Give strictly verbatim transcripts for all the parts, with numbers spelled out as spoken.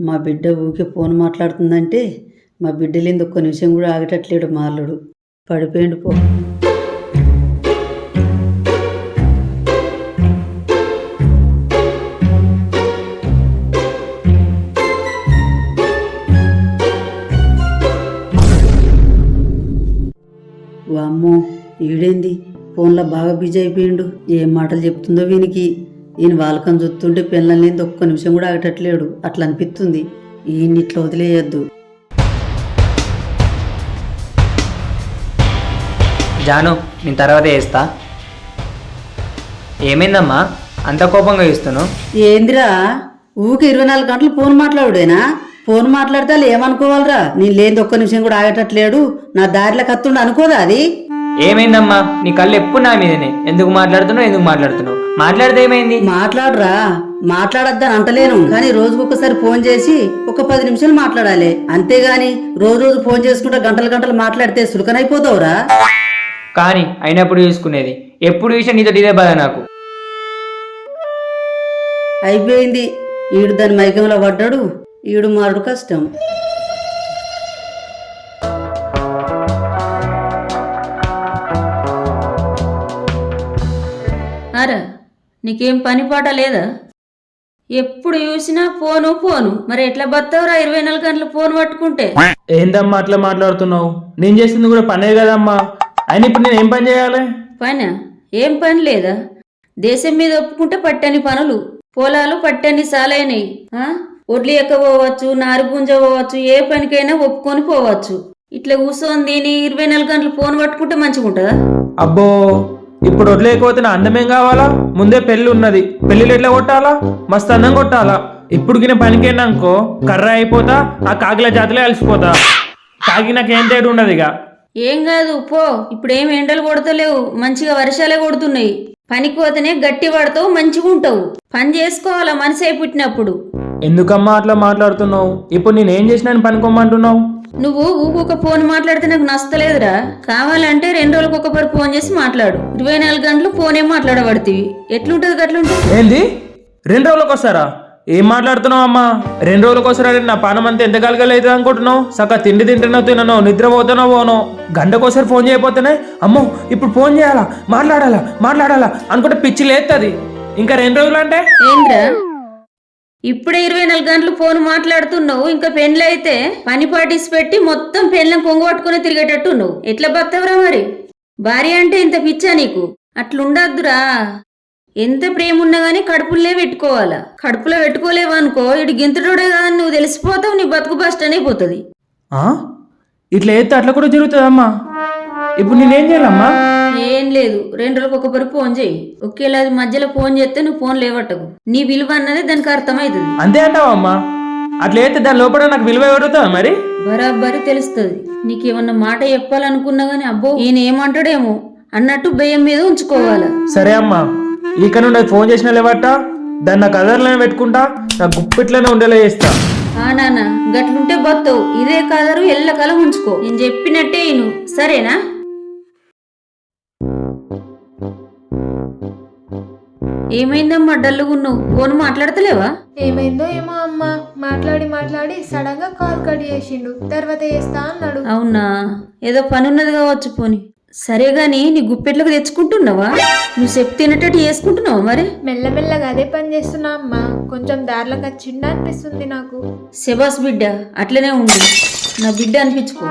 మా బిడ్డ ఊకే ఫోన్ మాట్లాడుతుందంటే మా బిడ్డలేంది ఒక్క నిమిషం కూడా ఆగటట్లేడు మాల్లుడు. పడిపోయిండు పో. వామ్మో, ఈడేంది ఫోన్లో బాగా బిజీ అయిపోయిండు. ఏం మాటలు చెప్తుందో వీనికి. ఈయన వాళ్ళకం చూస్తుంటే పిల్లల్ని ఒక్క నిమిషం కూడా ఆగటట్లేడు. అట్లా అనిపిస్తుంది. ఈయన్ని ఇట్లా వదిలేయద్దు. జాను, నేను తర్వాత చేస్తా. ఏమైందమ్మా అంత కోపంగా ఇస్తున్నావు? ఏందిరా ఊకి ఇరవై నాలుగు గంటలు ఫోన్ మాట్లాడుడేనా? ఫోన్ మాట్లాడితే వాళ్ళు ఏమనుకోవాలరా? నేను లేని ఒక్క నిమిషం కూడా ఆగటట్లేడు, నా దారిలో కత్తుండ అనుకోదా అది? ఏమైందమ్మా? నీ కళ్ళు ఎప్పుడు నా మీదనే. ఎందుకు మాట్లాడుతున్నావు ఎందుకు మాట్లాడుతున్నావు? మాట్లాడితే ఏమైంది? మాట్లాడరా, మాట్లాడద్దని అంటలేను, కానీ రోజుకు ఒకసారి ఫోన్ చేసి ఒక పది నిమిషాలు మాట్లాడాలి, అంతేగాని రోజు రోజు ఫోన్ చేసుకుంటే గంటలు గంటలు మాట్లాడితే సులకనైపోతావురా. కానీ అయినప్పుడు చూసుకునేది ఎప్పుడు చూసినా నీతో ఇదే బాధ నాకు. అయిపోయింది. ఈడు దాని మైకంలో పడ్డాడు, ఈడు మారుడు కష్టం. అరా, నీకేం పని పాట లేదా? ఎప్పుడు చూసినా ఫోను ఫోను. మరి ఎట్లా బతావురా ఇరవై నాలుగు గంటలు ఫోన్ పట్టుకుంటే? ఏందమ్మా అట్లా మాట్లాడుతున్నావు? నేను చేసింది కూడా పనే కదమ్మా. అయినా ఇప్పుడు నేను ఏం పని చేయాలి? పనా? ఏం పని లేదా? దేశం మీద ఒప్పుకుంటే పట్టని పనులు, పొలాలు పట్టని సాలైనవి. ఒడ్లు ఎక్కపోవచ్చు, నారు గుంజ పోవచ్చు, ఏ పనికైనా ఒప్పుకొని పోవచ్చు. ఇట్లా కూర్చొని దీని ఇరవై నాలుగు గంటలు ఫోన్ పట్టుకుంటే మంచిగా ఉంటుందా? అబ్బో, ఇప్పుడు వదిలేకపోతే నా అందమేం కావాలా? ముందే పెళ్లి ఉన్నది, పెళ్లిలు ఎట్లా కొట్టాలా? మస్తు అందం కొట్టాలా. ఇప్పుడు గిన పనికైనాకో కర్ర అయిపోతా, ఆ కాకిల జాతిలో కలిసిపోతా. కాకి నాకేం తేడు ఉండదు. ఇక ఏం కాదు పో. ఇప్పుడేం ఎండలు కొడతలేవు, మంచిగా వర్షాలే కొడుతున్నాయి. పనికి పోతేనే గట్టి పడతావు, మంచిగా ఉంటావు. పని చేసుకోవాలా మనిషి అయి పుట్టినప్పుడు. ఎందుకమ్మా అట్లా మాట్లాడుతున్నావు? ఇప్పుడు నేనేం చేసినా పనుకోమంటున్నావు? నువ్వు ఊకొక ఫోన్ మాట్లాడితే నాకు నచ్చలేదురా. కావాలంటే రెండు రోజులకు ఒకసారి ఫోన్ చేసి మాట్లాడు. ఇరవై నాలుగు గంటలు ఫోన్ ఏం మాట్లాడబడుతుంది. ఎట్లుంటది గట్లుంటుంది. ఏంది రెండు రోజులకు వస్తారా? ఏం మాట్లాడుతున్నావు అమ్మా? రెండు రోజులకు వస్తారా? నా పానం అంతా ఎంత కలగలేదు అనుకుంటున్నావు? సక్క తిండి తింటున్నావు, తినను, నిద్రపోతానో పోనో. గంటకోసారి ఫోన్ చేయకపోతేనే అమ్మో ఇప్పుడు ఫోన్ చేయాలా, మాట్లాడాలా మాట్లాడాలా అనుకుంటే పిచ్చి లేస్తుంది. ఇంకా రెండు రోజులు అంటే ఏంద్రా? ఇప్పుడే ఇరవై నాలుగు గంటలు ఫోన్ మాట్లాడుతున్నావు. ఇంకా పెన్లు అయితే పని పాటిసి పెట్టి మొత్తం పెన్లను కొంగు పట్టుకుని తిరిగేటట్టు నువ్వు ఎట్లా బతావురా? మరి భార్య అంటే ఇంత పిచ్చా నీకు? అట్లుండద్దురా. ఎంత ప్రేమ ఉన్నా గానీ కడుపులే పెట్టుకోవాలా. కడుపులో పెట్టుకోలేవు అనుకో, ఇటు గింతటోడే కాదని నువ్వు తెలిసిపోతావు. నీ బతుకు బస్ట్ అయిపోతుంది. ఇట్లా అయితే అట్లా కూడా జరుగుతుందమ్మా. ఇప్పుడు నేనేం చేయాలమ్మా? ఏం లేదు, రెండు రోజులకు ఒకసారి ఫోన్ చేయి. ఒకేలా మధ్యలో ఫోన్ చేస్తే నువ్వు ఫోన్ లేవట్టకు. నీ విలువ అన్నది దానికి అర్థమవుతుంది. అంతే అంటావా అమ్మా? అట్లా అయితే దాని లోపల నాకు విలువ ఎవరుతుందా మరి? బరాబరి తెలుస్తుంది. నీకేమన్నా మాట చెప్పాలనుకున్నా గానీ అబ్బో ఈయన ఏమంటాడేమో అన్నట్టు భయం మీద ఉంచుకోవాలా. సరే అమ్మా, ఇక నుండి ఫోన్ చేసిన లేవట దాన్ని నా కదర్లోనే పెట్టుకుంటా, నా గుప్పిట్లోనే ఉండేలా చేస్తా. ఆ నాన్న, గట్లుంటే బతావు. ఇదే కదరు ఎల్లకాలం ఉంచుకో. నేను చెప్పినట్టే ఇను, సరేనా? ఏమైందమ్మా డల్లుగున్నావు? ఫోన్ మాట్లాడతలేవా? ఏమైందో ఏమో అమ్మ, మాట్లాడి మాట్లాడి సడన్ గా కాల్ కట్ చేసిండు. తర్వాత చేస్తా అన్నాడు. అవునా, ఏదో పని ఉన్నది కావచ్చు. పోని సరే గాని నీ గుప్పెట్లకు తెచ్చుకుంటున్నావా? నువ్వు చెప్పు తినేటట్టు చేసుకుంటున్నావా? మరి మెల్లమెల్లగా అదే పని చేస్తున్నా అమ్మ. కొంచెం దారిలోకి వచ్చిండ అనిపిస్తుంది నాకు. శబాస్ బిడ్డ, అట్లనే ఉండు. నా బిడ్డ అనిపించుకో.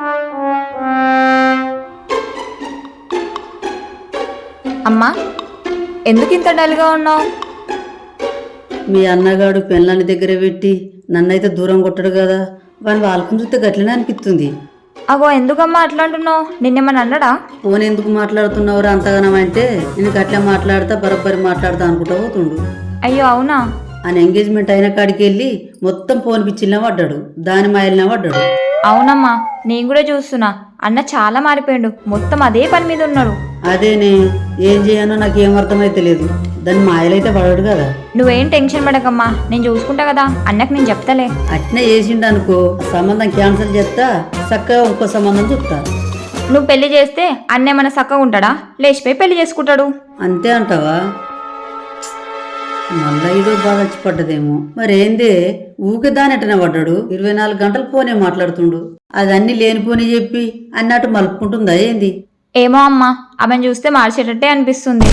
అమ్మా, ఎందుకు ఇంత డల్గా ఉన్నావు? మీ అన్నగాడు పెళ్ళాన్ని దగ్గర పెట్టి నన్నైతే దూరం కొట్టడు కదా, వాని వాళ్ళకం చూస్తే గట్లనే అనిపిస్తుంది. అగో ఎందుకమ్మా అట్లా అంటున్నావు? నిన్నేమన్నా అన్నాడా? ఫోన్ ఎందుకు మాట్లాడుతున్నావురా అంతగానం అంటే, నేను గట్లా మాట్లాడతా బరబ్బరి మాట్లాడతా అనుకుంటా పోతుండు. అయ్యో అవునా? ఆయన ఎంగేజ్మెంట్ అయిన కాడికి వెళ్ళి మొత్తం ఫోన్ పిచ్చిల్లా పడ్డాడు, దాని మాయలనే పడ్డాడు. అవునమ్మా, నేను కూడా చూస్తున్నా. అన్న చాలా మారిపోయాడు, మొత్తం అదే పని మీద ఉన్నాడు. అదేనే, ఏం చేయనో నాకు ఏం అర్థమైతే లేదు. దాని మాయలైతే పడడు కదా. నువ్వేం టెన్షన్ పడకమ్మా, నేను చూసుకుంటా కదా. అన్నకు నేను చెప్తాలే. అట్నే చేసిండు అనుకో, సంబంధం క్యాన్సిల్ చేస్తా, చక్కగా ఇంకో సంబంధం చూస్తా. నువ్వు పెళ్లి చేస్తే అన్న ఏమన్నా చక్కగా ఉంటాడా? లేచిపోయి పెళ్లి చేసుకుంటాడు. అంతే అంటావా? మళ్ళా ఏదో బాధ వచ్చి పడ్డదేమో మరేందే ఊకే దానెట్టనే పడ్డాడు ఇరవై నాలుగు గంటలు ఫోనే మాట్లాడుతుండు అది అన్ని లేనిపోని చెప్పి అన్నట్టు మలుపుకుంటుందా ఏంది? ఏమో అమ్మా ఆమెను చూస్తే మార్చేటట్టే అనిపిస్తుంది.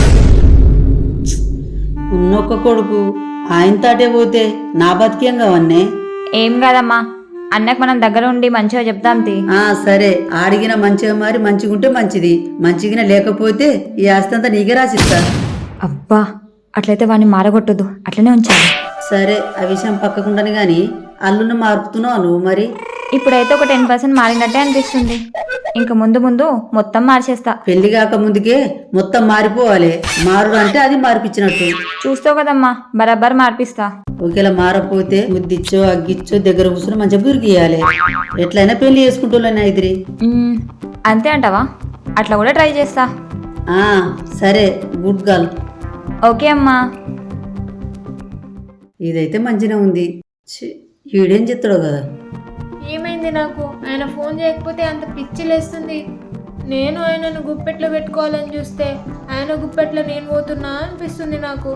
ఉన్నొక్క కొడుకు ఆయన తాటే పోతే నా బతికేం కావన్నే. ఏం కాదమ్మా, అన్నకు మనం దగ్గర ఉండి మంచిగా చెప్దాం తీ. ఆ సరే, ఆడిగిన మంచిగా మారి మంచిగుంటే మంచిది, మంచిగా లేకపోతే ఈ ఆస్తి అంతా నీకే రాసిస్తా. అబ్బా అట్లయితే వాడిని మారగొట్టదు, అట్లనే ఉంచాలి. సరే, ఆ విషయం పక్కకుండానే గాని అల్లుని మార్పుతున్నావు నువ్వు మరి. ఇప్పుడైతే ఒక టెన్ పర్సెంట్ మారినట్టే అనిపిస్తుంది. ఇంక ముందు ముందు మొత్తం మార్చేస్తా. పెళ్లి కాక ముందుకే మొత్తం మారిపోవాలి. మారుడు అంటే అది మార్పిచ్చినట్టు. చూస్తావు కదమ్మా, బరాబర్ మార్పిస్తా. ఒకేలా మారపోతే ముద్దిచ్చో అగ్గిచ్చో దగ్గర కూర్చొని మంచిగా బురికియాలి. ఎట్లయినా పెళ్లి చేసుకుంటూనే ఇదిరి. మ్మ్, అంతే అంటావా? అట్లా కూడా ట్రై చేస్తా. ఆ సరే, గుడ్ గర్ల్. ఓకే అమ్మా. ఇదైతే మంచిగా ఉంది. ఛీ, ఈడేం చెప్తాడో కదా. ఏమైంది నాకు? ఆయన ఫోన్ చేయకపోతే అంత పిచ్చి లేస్తుంది. నేను ఆయనను గుప్పెట్లో పెట్టుకోవాలని చూస్తే ఆయన గుప్పెట్లో నేను పోతున్నా అనిపిస్తుంది నాకు.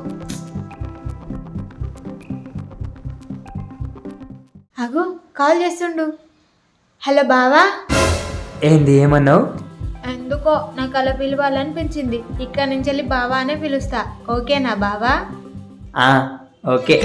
అగో కాల్ చేస్తుండు. హలో బావా. ఏంది ఏమన్నావు? ఎందుకో నాకు అలా పిలవాలనిపించింది. ఇక్కడ నుంచి వెళ్ళి బావా అనే పిలుస్తా. ఓకేనా బావా? ఆ ఓకే.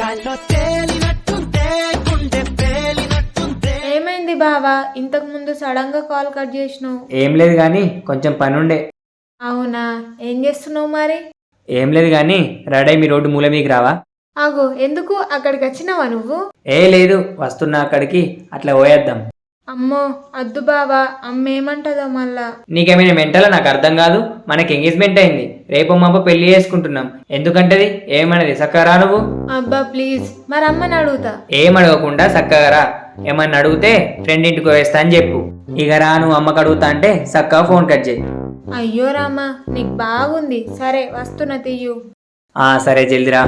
ఏమైంది బావా, ఇంతకు ముందు సడన్ గా కాల్ కట్ చేసినావు? ఏం లేదు కానీ కొంచెం పని ఉండే. అవునా, ఏం చేస్తున్నావు మరి? ఏం లేదు కానీ రెడీ మీ రోడ్డు మూల మీకు రావా? ఆగు, ఎందుకు అక్కడికి వచ్చినావా నువ్వు? ఏ లేదు, వస్తున్నా అక్కడికి, అట్లా పోయేద్దాం. అమ్మో అద్దు బావా, అమ్మ ఏమంటదో మళ్ళా. నీకేమైనా మెంటలా? నాకు అర్థం కాదు. మనకి ఎంగేజ్మెంట్ అయింది, రేపు మాప పెళ్లి చేసుకుంటున్నాం. ఎందుకంటది? ఏమన్నది? చక్కగా నువ్వు. అబ్బా ప్లీజ్, మరి అమ్మని అడుగుతా. ఏం అడగకుండా చక్కగా రా. ఏమన్నా అడిగితే ఫ్రెండ్ ఇంటికి వేస్తా అని చెప్పు. ఇక రా, నువ్వు అమ్మకు అడుగుతా అంటే చక్కగా ఫోన్ కట్ చేయి. అయ్యో రామా, నీకు బాగుంది. సరే వస్తున్నా, తీయు. ఆ సరే, జల్దిరా.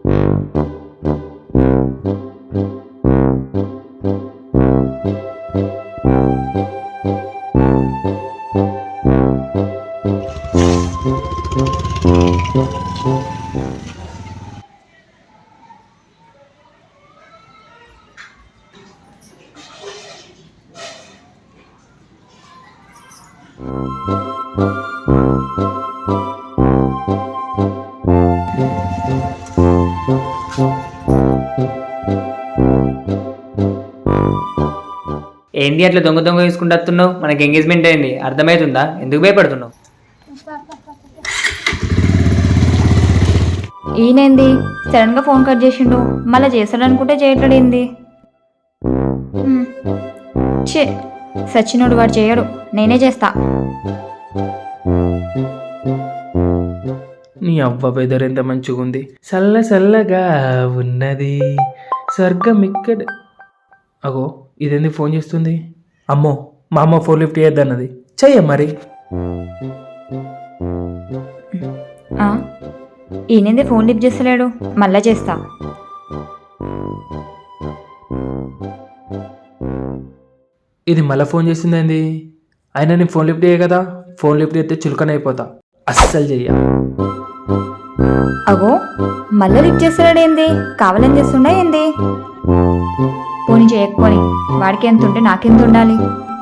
ఏంది అట్లా దొంగ దొంగ తీసుకుంటూ వస్తున్నావు? మనకి ఎంగేజ్మెంట్ అయింది, అర్థమవుతుందా? ఎందుకు భయపడుతున్నావు? ఈయనేంది సడన్ గా ఫోన్ కట్ చేసిండు? మళ్ళీ చేస్తాడనుకుంటే చేయట్లేడేంది? మ్మ్. ఛే, సచ్చినోడు వాడు చేయడు, నేనే చేస్తా. నీ అవ్వ వెదర్ ఎంత మంచిగా ఉంది, చల్ల చల్లగా ఉన్నది, స్వర్గం ఇక్కడ. అగో ఇదేంది ఫోన్ చేస్తుంది? అమ్మో, మా అమ్మ ఫోన్ లిఫ్ట్ చేయొద్దన్నది, చెయ్య మరి. ఆ, ఈయనేంది ఫోన్ లిఫ్ట్ చేస్తలేడు? మళ్ళా చేస్తా. ఇది మళ్ళీ ఫోన్ చేసిందేంది? అయినా నీ ఫోన్ లిఫ్ట్ చేయ కదా, ఫోన్ లిఫ్ట్ చేస్తే చులకనైపోతా, అస్సలు చెయ్య. అగో మళ్ళీ లిఫ్ట్ చేస్తాడేంది? కావాలని చేస్తుండా ఏంది? పోనీ చేయకపోని, వాడికి ఎంత ఉంటే నాకెంత ఉండాలి?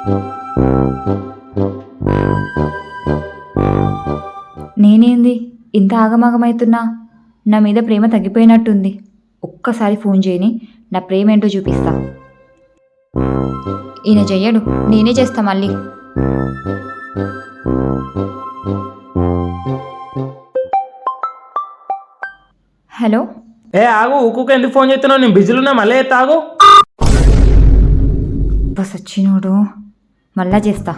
నేనేంది ఇంత ఆగమాగమవుతున్నా? నా మీద ప్రేమ తగ్గిపోయినట్టుంది. ఒక్కసారి ఫోన్ చేయని నా ప్రేమ ఏంటో చూపిస్తా. ఈయన చెయ్యడు, నేనే చేస్తా మళ్ళీ. హలో. ఏ ఆగు, ఊకుక ఎందుకు ఫోన్ చేస్తున్నావు? నేను బిజీలో ఉన్నా, మళ్ళీ ఎత్తా, ఆగు. బస్ వచ్చినోడు, మళ్ళా చేస్తా.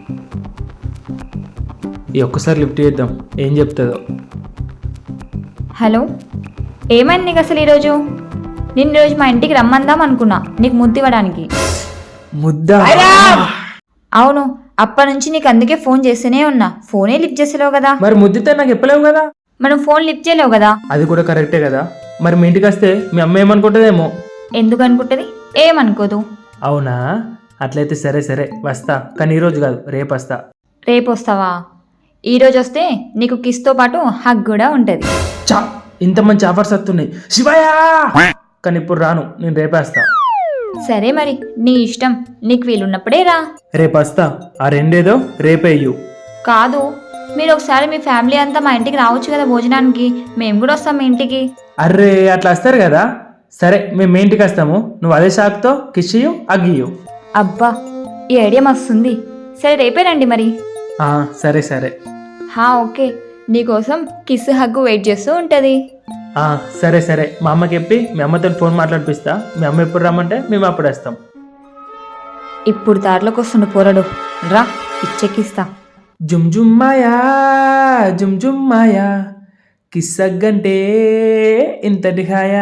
ఈ ఒక్కసారి లిఫ్ట్ చేద్దాం, ఏం చెప్తుందో. హలో, ఏమైంది నీకు అసలు ఈరోజు? నేను ఈరోజు మా ఇంటికి రమ్మందాం అనుకున్నా నీకు ముద్దు ఇవ్వడానికి. ముద్దా? అవును, అప్పటి నుంచి నీకు అందుకే ఫోన్ చేస్తూనే ఉన్నా, ఫోనే లిఫ్ట్ చేసేలేవు కదా. మరి ముద్దితే నాకు చెప్పలేవు కదా. మనం ఫోన్ లిఫ్ట్ చేయలేవు కదా. అది కూడా కరెక్టే కదా. మరి మీ ఇంటికి వస్తే మీ అమ్మ ఏమనుకుంటుందేమో. ఎందుకు అనుకుంటుంది? ఏమనుకోదు. అవునా? అట్లయితే సరే సరే వస్తా, కానీ ఈరోజు కాదు, రేపు వస్తా. రేపు వస్తావా? ఈరోజు వస్తే నీకు కిస్తో పాటు హగ్ కూడా ఉంటుంది. చా, ఇంత మంచి ఆఫర్స్ వస్తున్నాయి శివయ్య, కానీ ఇప్పుడు రాను, నేను రేపేస్తా. సరే మరి నీ ఇష్టం, నీకు వీలున్నప్పుడే రా. రేపేస్తా. ఆ రెండేదో రేపేయ్యు. కాదు, మీరు ఒకసారి మీ ఫ్యామిలీ అంతా మా ఇంటికి రావచ్చు కదా భోజనానికి, మేము కూడా వస్తాం మీ ఇంటికి. అర్రే అట్లా వస్తారు కదా. సరే మేము మీ ఇంటికి వస్తాము, నువ్వు అదే షాక్తో కిషియు అగ్గియు. అబ్బా, ఈ ఐడియా మస్తుంది. సరే రేపే రండి మరి. ఆ, సరే సరే. హా ఓకే, నీకోసం కిస్ హగ్గు వెయిట్ చేస్తూ ఉంటుంది. ఆ, సరే సరే. మా అమ్మకి చెప్పి మీ అమ్మతో ఫోన్ మాట్లాడిపిస్తా. మీ అమ్మ ఎప్పుడు రమ్మంటే మేము అప్పుడు వస్తాం. ఇప్పుడు దారిలోకి వస్తుండు పోరడు, రా ఇచ్చెక్కిస్తా. జుమ్ జుమ్ మాయా జుమ్ జుమ్ మాయా కిస్సగ్గంటే ఇంతటి హాయా.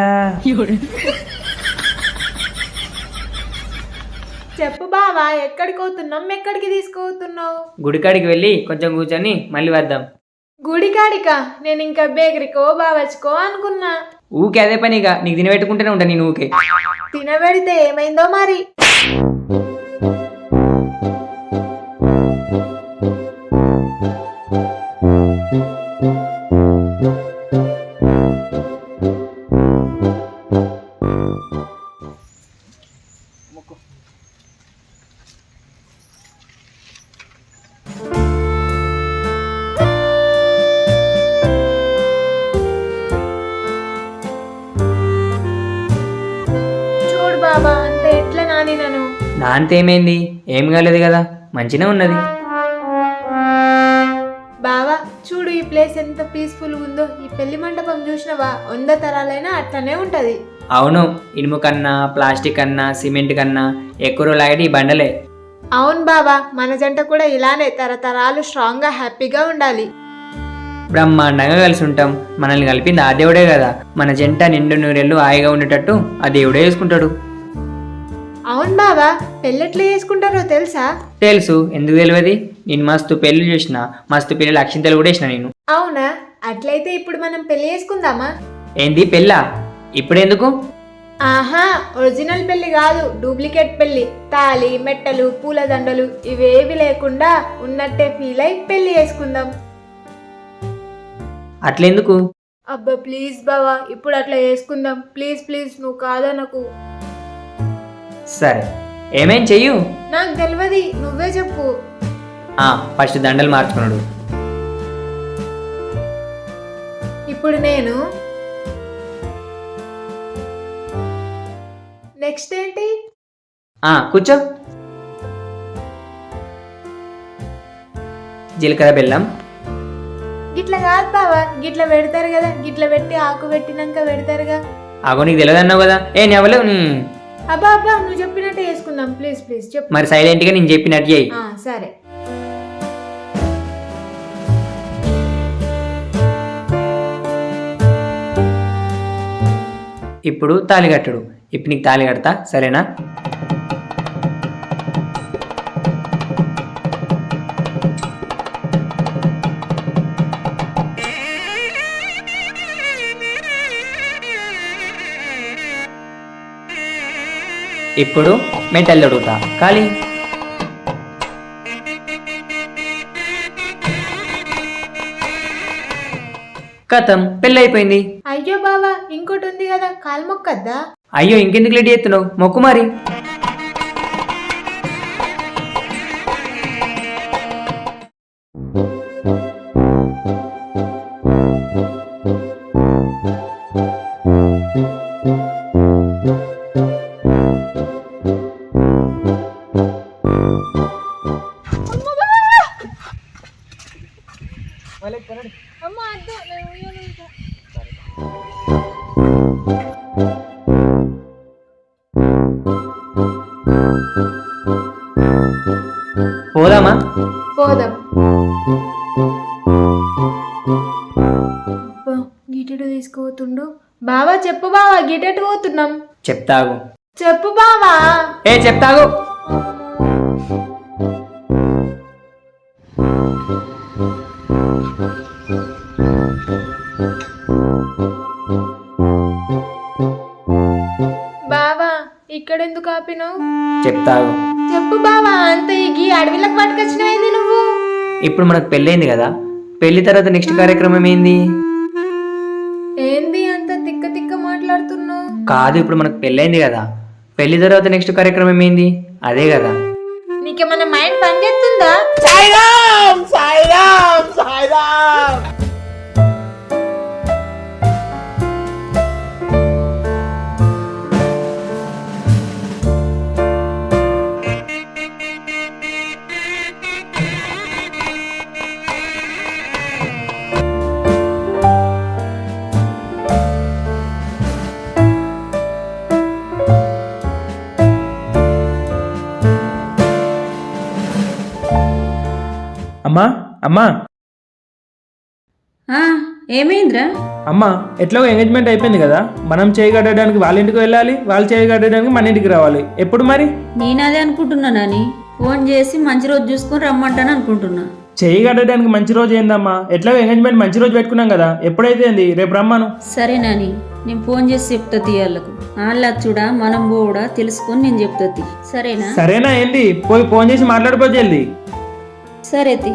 చెప్పు బావా, ఎక్కడికి పోతున్నాం, ఎక్కడికి తీసుకుపోతున్నావు? గుడికాడికి వెళ్ళి కొంచెం కూర్చొని మళ్ళీ వద్దాం. గుడికాడికా? నేను ఇంకా బేకరీకో బావచ్చుకో అనుకున్నా. ఊకే అదే పనిగా నీకు తినబెట్టుకుంటూనే ఉంటా నేను ఊకే. తినబెడితే ఏమైందో మరి. చూడు బాబా, అంత ఎట్లా నాని నన్ను. నాంతేమైంది? ఏం కాలేదు కదా, మంచిగా ఉన్నది. బావా చూడు, ఈ ప్లేస్ ఎంత పీస్ఫుల్ ఉందో. ఈ పెళ్లి మండపం చూసినవా? వంద తరాలైనా అట్లనే ఉంటది. అవును, ఇనుము కన్నా ప్లాస్టిక్ కన్నా సిమెంట్ కన్నా ఎక్కువ రోజులు ఈ బండలే. అవును బావా, మన జంట కూడా ఇలానే తరతరాలు స్ట్రాంగ్ గా హ్యాపీగా ఉండాలి. బ్రహ్మాండంగా కలిసి ఉంటాం. మనల్ని కలిపింది ఆ దేవుడే కదా. మన జంట నిండు నూరెళ్ళు హాయిగా ఉండేటట్టు ఆ దేవుడే చేసుకుంటాడు. అవును బావా, పెళ్ళెట్లా చేసుకుంటారో తెలుసా? తెలుసు, ఎందుకు తెలియదు? నేను మస్తు పెళ్లి చేసిన, మస్తు పిల్లలు అక్షింతలు కూడా వేసిన నేను. అవునా? అట్లయితే ఇప్పుడు మనం పెళ్లి చేసుకుందామా? ఏంది పెళ్ళా? ఇప్పుడెందుకు? ఆహా, ఒరిజినల్ పెళ్లి కాదు, డూప్లికేట్ పెళ్లి. తాళి, మెట్టలు, పూలదండలు ఇవేవి లేకుండా ఉన్నట్టే ఫీల్ అయి పెళ్లి చేసుకుందాం. అట్లెందుకు? అబ్బా ప్లీజ్ బావా, ఇప్పుడు అట్లా చేసుకుందాం. ప్లీజ్ ప్లీజ్, నువ్వు కాదా నాకు. సరే, ఏమేం చెయ్యు? నాకు తెలియదు, నువ్వే చెప్పు. ఆ, ఫస్ట్ దండలు మార్చుకున్నాడు. ఇప్పుడు నేను నెక్స్ట్ ఏంటి? ఆ, కూర్చో. జీలకర్ర బెల్లం. గిట్ల కాదు బావా, గిట్ల పెడతారు కదా, గిట్ల పెట్టి ఆకు పెట్టినాక పెడతారుగా. ఆగో, నీకు తెలియదు అన్నావు కదా. ఏ నెవలేవు. అబ్బా అబ్బా, నువ్వు చెప్పినట్టే చేసుకుందాం. ప్లీజ్ ప్లీజ్ చెప్పు. మరి సైలెంట్గా నేను చెప్పినట్టు చేయి. ఆ, సరే. ఇప్పుడు తాళి కట్టడు. ఇప్పుడు నీకు తాళి కడతా, సరేనా? ఇప్పుడు మెటల్ తొడుగుతా, ఖాళీ. కథం, పెళ్ళి అయిపోయింది. అయ్యో బావా, ఇంకోటి ఉంది కదా, కాలు మొక్కద్దా? అయ్యో, ఇంకెందుకు లేట్ చేస్తున్నావు? మొక్కు మరి. పోదామా? పోదాం. గిటెటు తీసుకుపోతుండు. బావా చెప్పు బావా, గిటెటు పోతున్నాం? చెప్తాగు. చెప్పు బావా. ఏ చెప్తాగు. బావా ఇక్కడెందుకు ఆపినావు? చెప్తాగు. చెప్పు బావా, అంత ఈ అడవిలకు పట్టుకొచ్చినవేంది నువ్వు? ఇప్పుడు మనకు పెళ్ళైంది కదా, పెళ్లి తర్వాత నెక్స్ట్ కార్యక్రమం ఏంది? ఏంది? కాదు, ఇప్పుడు మనకు పెళ్ళైంది కదా, పెళ్లి తర్వాత నెక్స్ట్ కార్యక్రమం ఏంది? అదే కదా. నీకేమన్నా మైండ్ పనిచేస్తుందా? అమ్మా అమ్మా ఆ, ఏమైందిరా? అమ్మా ఎట్లాగో ఎంగేజ్మెంట్ అయిపోయింది కదా, మనం చేయగట్టడానికి వాళ్ళ ఇంటికి వెళ్ళాలి, వాళ్ళు చేయగట్టడానికి మన ఇంటికి రావాలి. ఎప్పుడు మరి? నేను అదే అనుకుంటున్నా నాని. ఫోన్ చేసి మంచి రోజు చూసుకొని రమ్మంటాను అనుకుంటున్నా. చేయగట్టడానికి మంచి రోజు ఏందమ్మా? ఎట్లాగో ఎంగేజ్మెంట్ మంచి రోజు పెట్టుకున్నాం కదా, ఎప్పుడైతే ఏంది? రేపు రమ్మను. సరే నాని, నేను ఫోన్ చేసి చెప్తా వాళ్ళకు. వాళ్ళ చూడా మనం కూడా తెలుసుకొని నేను చెప్తా. సరేనా? సరేనా ఏంది? పోయి ఫోన్ చేసి మాట్లాడిపోతే వెళ్ళి. సరే తి.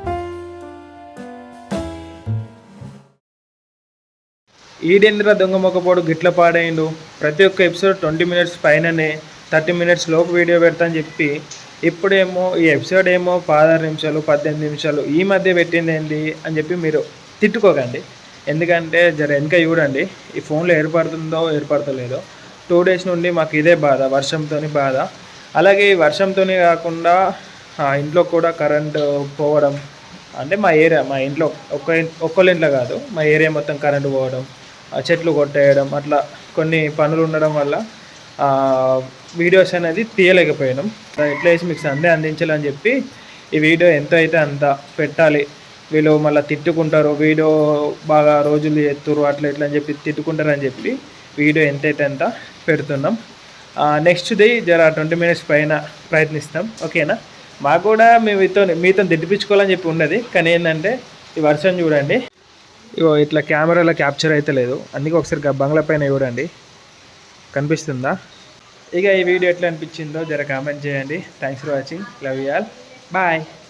ఈడేంద్ర దొంగ మొక్కపోడు గిట్ల పాడైండు. ప్రతి ఒక్క ఎపిసోడ్ ట్వంటీ మినిట్స్ పైననే, థర్టీ మినిట్స్ లోపు వీడియో పెడతా అని చెప్పి ఇప్పుడేమో ఈ ఎపిసోడ్ ఏమో పదహారు నిమిషాలు పద్దెనిమిది నిమిషాలు ఈ మధ్య పెట్టింది ఏంటి అని చెప్పి మీరు తిట్టుకోకండి. ఎందుకంటే జర వెనక చూడండి, ఈ ఫోన్లో ఏర్పడుతుందో ఏర్పడతలేదో. టూ డేస్ నుండి మాకు ఇదే బాధ, వర్షంతో బాధ. అలాగే ఈ వర్షంతో కాకుండా ఇంట్లో కూడా కరెంటు పోవడం, అంటే మా ఏరియా, మా ఇంట్లో ఒక్క ఒక్కళ్ళ ఇంట్లో కాదు, మా ఏరియా మొత్తం కరెంటు పోవడం, చెట్లు కొట్టేయడం, అట్లా కొన్ని పనులు ఉండడం వల్ల వీడియోస్ అనేది తీయలేకపోయాం. ఎట్లా వేసి మీకు సందే అందించాలని చెప్పి ఈ వీడియో ఎంత అయితే అంత పెట్టాలి. వీళ్ళు మళ్ళీ తిట్టుకుంటారు, వీడియో బాగా రోజులు ఎత్తురు అట్లా ఇట్లా అని చెప్పి తిట్టుకుంటారని చెప్పి వీడియో ఎంతైతే అంత పెడుతున్నాం. నెక్స్ట్ది జర ట్వంటీ మినిట్స్ పైన ప్రయత్నిస్తాం, ఓకేనా? మాకు కూడా మేము మీతో మీతో దిట్టిపించుకోవాలని చెప్పి ఉన్నది, కానీ ఏంటంటే ఈ వర్షం చూడండి, ఇగో ఇట్లా కెమెరాలో క్యాప్చర్ అయితే లేదు. అందుకే ఒకసారి బంగ్లా పైన చూడండి, కనిపిస్తుందా? ఇక ఈ వీడియో ఎట్లా అనిపించిందో జర కామెంట్ చేయండి. Thanks for watching, love you all, bye.